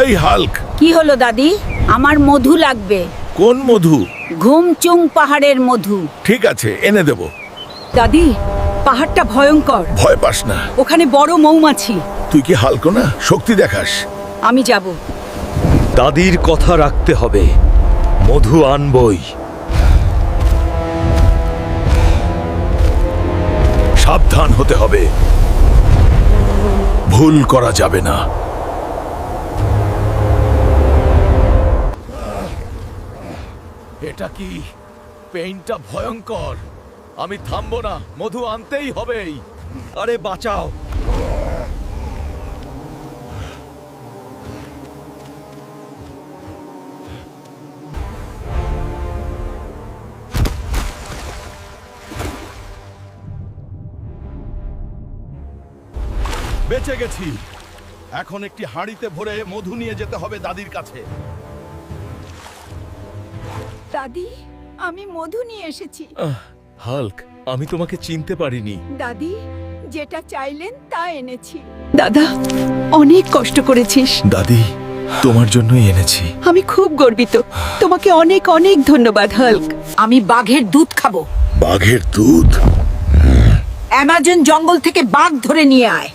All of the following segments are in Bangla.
এই হাল্ক, কি হলো দাদি? আমার মধু লাগবে। কোন মধু? ঘুমচুং পাহাড়ের মধু। ঠিক আছে, এনে দেব। দাদি, পাহাড়টা ভয়ঙ্কর। ভয় পাস না, ওখানে বড় মৌমাছি। তুই কি হাল্ক না? শক্তি দেখাস। আমি যাব। দাদির কথা রাখতে হবে, মধু আনবই। সাবধান হতে হবে, ভুল করা যাবে না। এটা কি? পেইনটা ভয়ঙ্কর। আমি থামবো না, মধু আনতেই হবেই। আরে বাঁচাও! বেঁচে গেছি। এখন একটি হাঁড়িতে ভরে মধু নিয়ে যেতে হবে দাদির কাছে। দাদি, আমি মধু নিয়ে এসেছি। হাল্ক, আমি তোমাকে চিনতে পারিনি। দাদি, যেটা চাইলেন তা এনেছি। দাদা, অনেক কষ্ট করেছিস। দাদি, তোমার জন্যই এনেছি। আমি খুব গর্বিত। তোমাকে অনেক অনেক ধন্যবাদ হাল্ক। আমি বাঘের দুধ খাবো। বাঘের দুধ? অ্যামাজন জঙ্গল থেকে বাঘ ধরে নিয়ে আয়।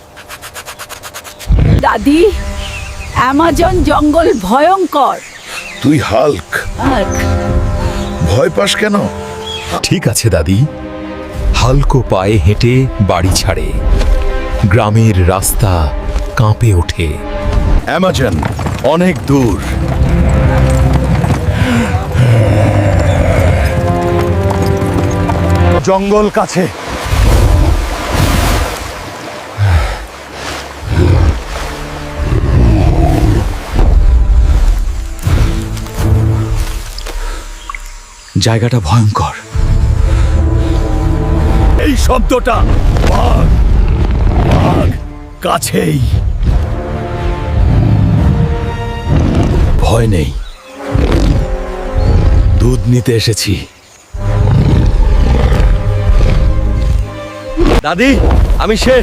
দাদি, অ্যামাজন জঙ্গল ভয়ঙ্কর। তুই হাল্ক, হাল্ক, ভয় পাস কেন? ঠিক আছে দাদি। হালকো পায়ে হেঁটে বাড়ি ছাড়ে। গ্রামের রাস্তা কাঁপে ওঠে। অ্যামাজন অনেক দূর। জঙ্গল কাছে। জায়গাটা ভয়ঙ্কর। এই শব্দটা, বাঘ, বাঘ কাছেই। ভয় নেই, দুধ নিতে এসেছি। দাদি, আমি শেষ।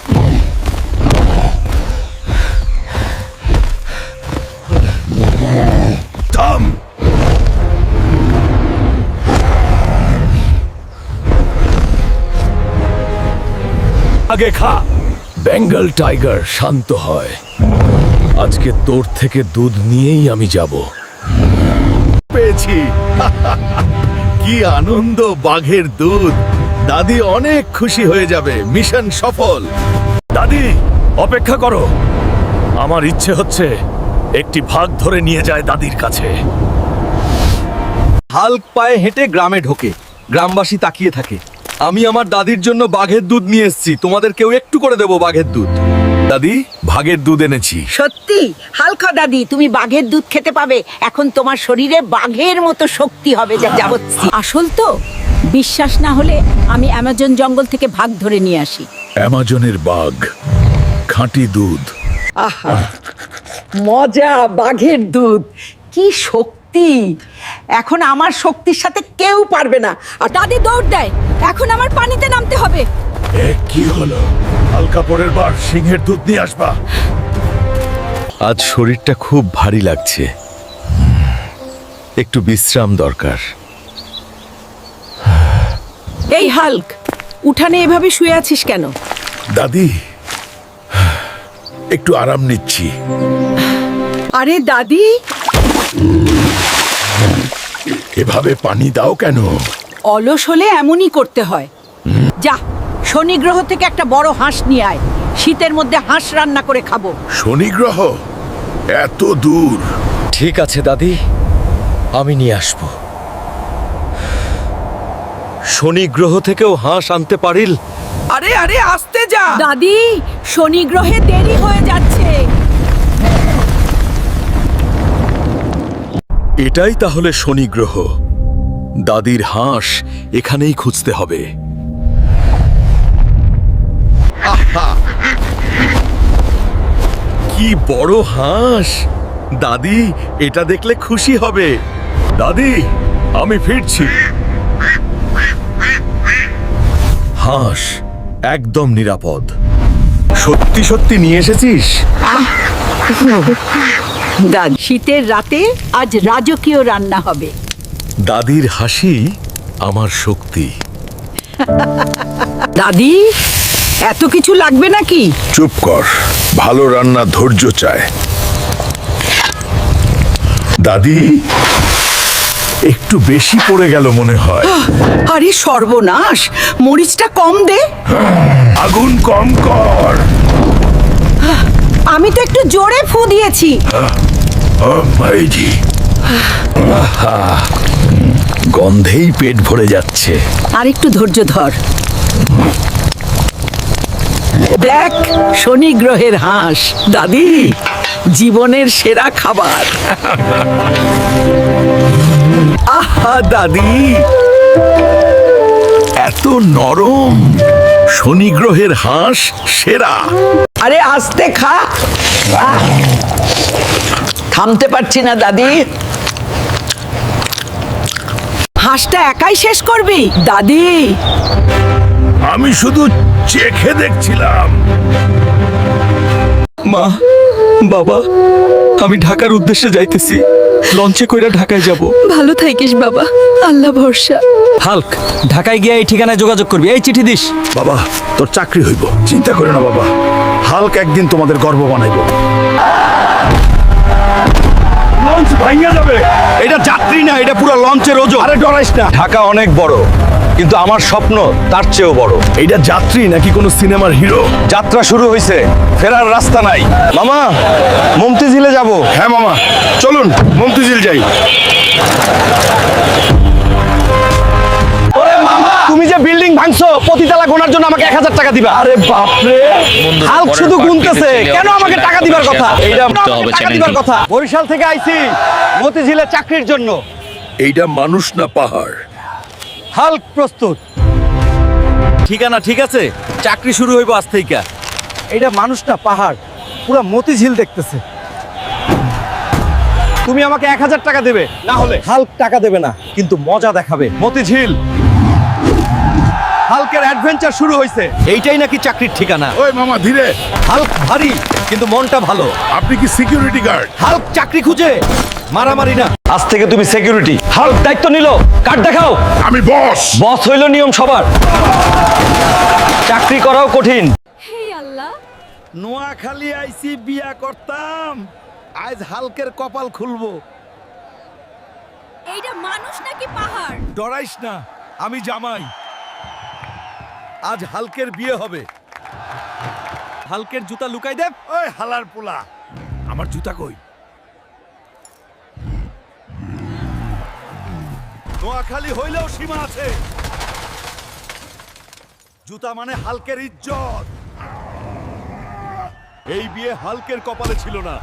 থাম। আগে খা। বেঙ্গল টাইগার শান্ত হয়। আজকে তোর থেকে দুধ নিয়েই আমি যাব। পেয়েছি। কি আনন্দ! বাঘের দুধ। দাদি অনেক খুশি হয়ে যাবে। মিশন সফল। দাদি, অপেক্ষা করো। আমার ইচ্ছে হচ্ছে একটি ভাগ ধরে নিয়ে যায় দাদির কাছে। হাল্ক পায়ে হেঁটে গ্রামে ঢোকে। গ্রামবাসী তাকিয়ে থাকে। আমি আমার দাদির জন্য বাঘের দুধ নিয়ে এসেছি। তোমাদের কেউ একটু করে দেবো বাঘের দুধ। দাদি, ভাগের দুধ এনেছি। সত্যি হালকা দাদি, তুমি বাঘের দুধ খেতে পাবে। এখন তোমার শরীরে বাঘের মতো শক্তি হবে। যা যাবচ্ছি আসল তো। বিশ্বাস না হলে আমি অ্যামাজন জঙ্গল থেকে ভাগ ধরে নিয়ে আসি। অ্যামাজনের বাঘ, খাঁটি দুধ। আহা, মজা! বাঘের দুধ, কি শক্তি! এখন আমার শক্তির সাথে কেউ পারবে না। আর দাদি দৌড় দেয়। এখন আমার পানিতে নামতে হবে। এ কি হলো? হালকা পরের বার সিংহের দুধ নিয়ে আসবা। আজ শরীরটা খুব ভারী লাগছে, একটু বিশ্রাম দরকার। এই হাল্ক, উঠানে এভাবে শুয়ে আছিস কেন? দাদি, একটু আরাম নিচ্ছি। আরে দাদি, এভাবে পানি দাও কেন? অলস হলে এমনই করতে হয়। যা, শনি গ্রহ থেকে একটা বড় হাঁস নিয়ে আয়। শীতের মধ্যে হাঁস রান্না করে খাবো। শনি গ্রহ? এত দূর? ঠিক আছে দাদি, আমি নিয়ে আসব। শনি গ্রহ থেকেও হাঁস আনতে পারিল? আরে আরে, আস্তে যা দাদি, শনি গ্রহে দেরি হয়ে যাচ্ছে। এটাই তাহলে শনি গ্রহ। দাদির হাঁস এখানেই খুঁজতে হবে। আহা! কি বড় হাঁস! দাদি, এটা দেখলে খুশি হবে। দাদি, আমি ফিরছি। হাঁস একদম নিরাপদ। সত্যি সত্যি নিয়ে এসেছিস? দাদি শীতের রাতে আজ রাজকীয় রান্না হবে। দাদির হাসি আমার শক্তি। দাদি এত কিছু লাগবে নাকি? চুপ কর, ভালো রান্না ধৈর্য চায়। দাদি একটু বেশি পড়ে গেল মনে হয়। আরে সর্বনাশ, মরিচটা কম দে। আগুন কম কর। আমি তো একটু জোরে ফু দিয়েছি। ভাইজি, গন্ধেই পেট ভরে যাচ্ছে। আর একটু ধৈর্য ধর। দেখ, শনি গ্রহের হাঁস। দাদি, জীবনের সেরা খাবার। আহা দাদি, এত নরম। শনি গ্রহের হাঁস সেরা। আরে আস্তে খা। থামতে পারছি না দাদি। হাঁসটা একাই শেষ করবি? দাদি, আমি শুধু চেখে দেখছিলাম। মা, বাবা, আমি ঢাকার উদ্দেশ্যে যাইতেছি। লঞ্চে কইরা ঢাকায় যাব। ভালো থাকিস বাবা, আল্লাহ ভরসা। হাল্ক, ঢাকায় গিয়ে এই ঠিকানায় যোগাযোগ করবি। এই চিঠি দিস। বাবা, তোর চাকরি হইব, চিন্তা করো না বাবা। হাল্ক একদিন তোমাদের গর্ব বানাইব। লঞ্চ ভাঙিয়া যাবে। এটা যাত্রী না, এটা পুরো লঞ্চের ওজন। আরে ডরাইস না। ঢাকা অনেক বড়, কিন্তু আমার স্বপ্ন তার চেয়েও বড়। এইটা যাত্রী নাকি কোনো সিনেমার হিরো? যাত্রা শুরু হয়েছে, ফেরার রাস্তা নাই। মামা, মমতিঝিলে যাব। হ্যাঁ মামা, চলুন মমতিঝিল যাই। তুমি যে বিল্ডিং ভাঙছো, প্রতিতলা গোনার জন্য আমাকে 1000 টাকা দিবা। আরে বাপরে, হাল্ক শুধু গুনতেছে, কেন আমাকে টাকা দিবার কথা? এইটা টাকা দিবার কথা। বরিশাল থেকে আইছি মতিঝিলে চাকরির জন্য। এইটা মানুষ না পাহাড়। হাল্ক প্রস্তুত। ঠিকানা ঠিক আছে, চাকরি শুরু হইব আজ থেকে। এটা মানুষ না পাহাড়, পুরো মতিঝিল দেখতেছে। তুমি আমাকে 1000 টাকা দেবে, না হলে হাল্ক টাকা দেবে না, কিন্তু মজা দেখাবে। মতিঝিল, হাল্কের অ্যাডভেঞ্চার শুরু হয়েছে। এইটাই নাকি চাকরির ঠিকানা। ওই মামা ধীরে। হাল্ক ভারী, কিন্তু মনটা ভালো। আপনি কি সিকিউরিটি গার্ড? হাল্ক চাকরি খুঁজে, মারামারি না। আজ থেকে তুমি সিকিউরিটি। হাল্ক দায়িত্ব নিল, কার্ড দেখাও। আমি বস। বস হইল নিয়ম সবার। চাকরি করাও কঠিন। হে আল্লাহ, নোয়াখালী আইসি বিয়া করতাম, আজ হালকের কপাল খুলবো। এইটা মানুষ নাকি পাহাড়? ডরাইস না, আমি জামাই। আজ হালকের বিয়ে হবে। হালকের জুতা লুকাই দেব। ওই হালার পোলা, আমার জুতা কই? নোয়াখালী হইলেও সীমা আছে। জুতা মানে হালকের ইজ্জত। এই বিয়ে হালকের কপালে ছিল না।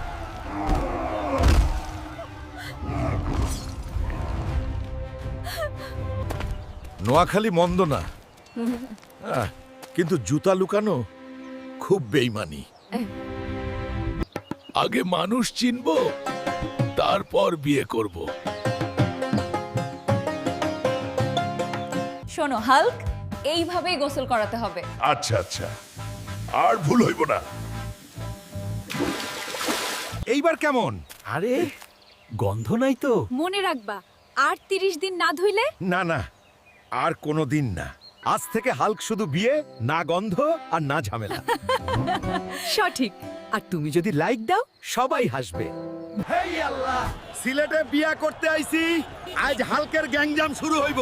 নোয়াখালী মন্দ না, কিন্তু জুতা লুকানো খুব বেইমানি। আগে মানুষ চিনবো, তারপর বিয়ে করব। শোনো হাল্ক, এইভাবেই গোসল করাতে হবে। আচ্ছা আচ্ছা, আর ভুল হইব না। এইবার কেমন? আরে গন্ধ নাই তো? মনে রাখবা, আর 30 দিন না ধুইলে না না, আর কোনো দিন না। আজ থেকে হাল্ক শুধু বিয়ে, না গন্ধ আর না ঝামেলা। সঠিক। আর তুমি যদি লাইক দাও, সবাই হাসবে। হেই আল্লাহ, সিলেটে বিয়া করতে আইছি, আজ হালকের গ্যাংজাম শুরু হইব।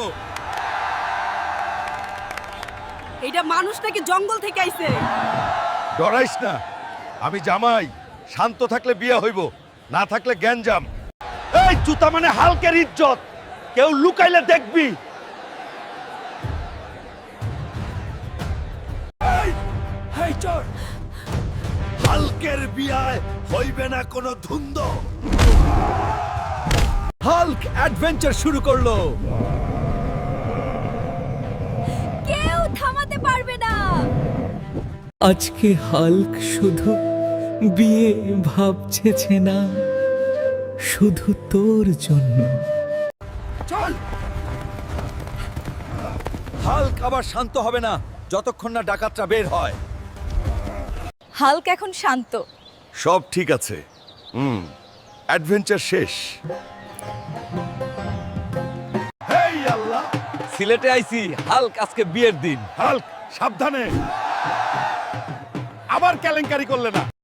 এইটা মানুষ নাকি জঙ্গল থেকে আইছে? ডরাইস না, আমি জামাই। শান্ত থাকলে বিয়ে হইব, না থাকলে গ্যাঞ্জাম। এই জুতা মানে হালকের ইজ্জত, কেউ লুকাইলে দেখবি। হেই চল, হালকের বিয়ায় হইবে না কোনো ধুন্দ। হাল্ক অ্যাডভেঞ্চার শুরু করলো। কেউ থামাতে পারবে না। আজকে হাল্ক শুধু বিয়ে ভাবছেছে না, শুধু তোর জন্য। চল। হাল্ক আবার শান্ত হবে না যতক্ষণ না ডাকাতরা বের হয়। হাল্ক এখন শান্ত। সব ঠিক আছে। অ্যাডভেঞ্চার শেষ। হেই আল্লাহ, সিলেটে আইছি, হাল্ক আজকে বিয়ের দিন। হাল্ক সাবধানে, আবার কেলেঙ্কারি করলে না।